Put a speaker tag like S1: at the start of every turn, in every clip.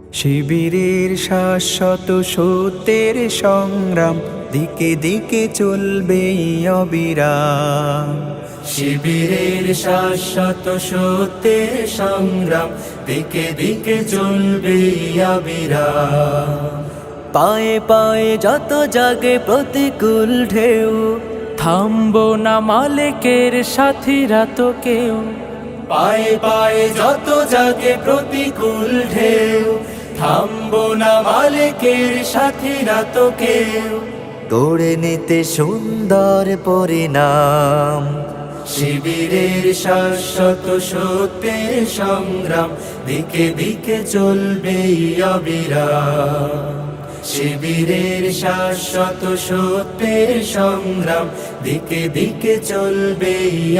S1: শিবিরের শাশ্বত সত্যের সংগ্রাম দিকে দিকে চলবে অবিরাম।
S2: শিবিরের শাশ্বত সত্যের সংগ্রাম দিকে দিকে চলবে অবিরাম।
S3: পায়ে পায়ে যত জাগে প্রতিকূল ঢেউ, থামবো না মালিকের সাথীরা তো কেউ।
S2: পায়ে পায়ে যত জাগে প্রতিকূল ঢেউ, থামবো না মালিকের সাথীরা তো কেউ।
S3: গড়ে নিতে সুন্দর পরিণাম,
S2: শিবিরের শাশ্বত সত্যের সংগ্রাম দিকে দিকে চলবে অবিরাম। শিবিরের শাশ্বত সত্যের সংগ্রাম দিকে দিকে চলবে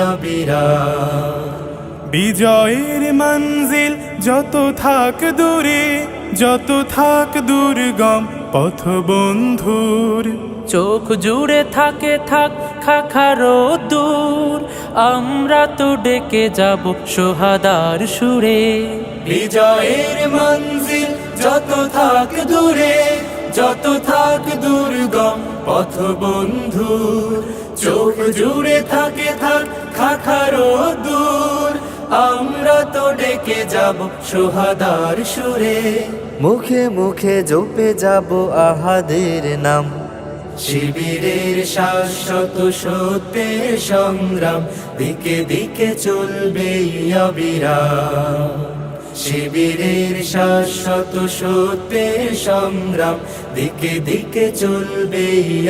S2: অবিরাম।
S4: বিজয়ের মঞ্জিল যত থাক দূরে, যত থাক দুর্গম পথ বন্ধুর।
S3: চোখ জুড়ে থাকে থাক খাখারো দূর, আমরা তো ডেকে যাব সোহাদার সুরে।
S2: বিজয়ের মঞ্জিল যত থাক দূরে, যত থাক দুর্গম পথ বন্ধুর। চোখ জুড়ে থাকে থাক খাখারো দূর, আমরা তো ডেকে যাব সোহাদার সুরে।
S3: মুখে মুখে জপে যাব আহাদের নাম,
S2: শিবিরের শাশ্বত সত্যের সংগ্রাম দিকে দিকে চলবে অবিরাম। শিবিরের শাশ্বত সত্যের সংগ্রাম দিকে দিকে চলবে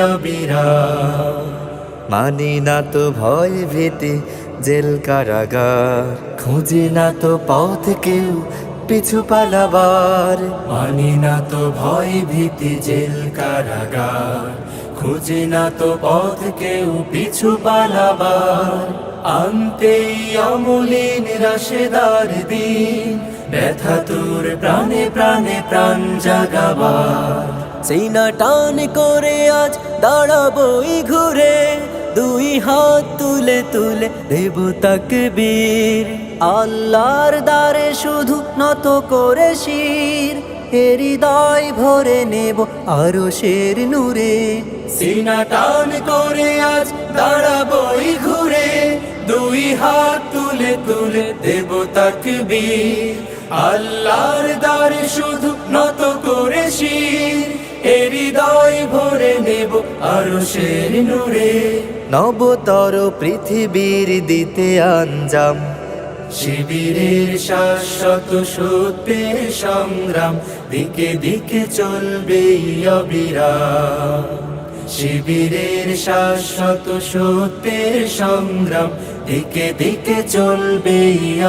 S2: অবিরাম।
S3: মানি না তো ভয় ভীতি জেল কারাগার, খুঁজি না তো পথ কেউ পিছু পালাবার।
S2: মানি না তো ভয় ভীতি জেল কারাগার, খুঁজে না তো পথ কেউ পিছু পালাবার। আনতেই অমলিন রাশেদার দিন, ব্যথা তোর প্রাণে প্রাণে প্রাণ জাগাবার।
S3: সিনা টান করে আজ দাঁড়াবই ঘুরে, দুই হাত তুলে তুলে দেব তাকবীর। আল্লাহর দ্বারে শুধু নত করে শির, হৃদয় ভরে নেব আরশের নূরে।
S2: সিনা টান করে আজ দাঁড়াবই ঘুরে, দুই হাত তুলে তুলে দেব তাকবীর। আল্লাহর দ্বারে শুধু নত করে শির, হৃদয় ভরে নেব আরশের নূরে।
S3: নবতর পৃথিবীর দিতে আঞ্জাম,
S2: শিবিরের শাশ্বত সত্যের সংগ্রাম দিকে দিকে চলবে অবিরাম। শিবিরের শাশ্বত সত্যের সংগ্রাম দিকে দিকে চলবে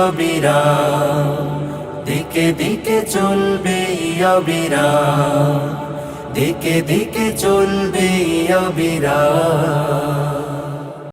S2: অবিরাম। দিকে দিকে চলবে অবিরাম, দিকে দিকে চলবে অবিরাম।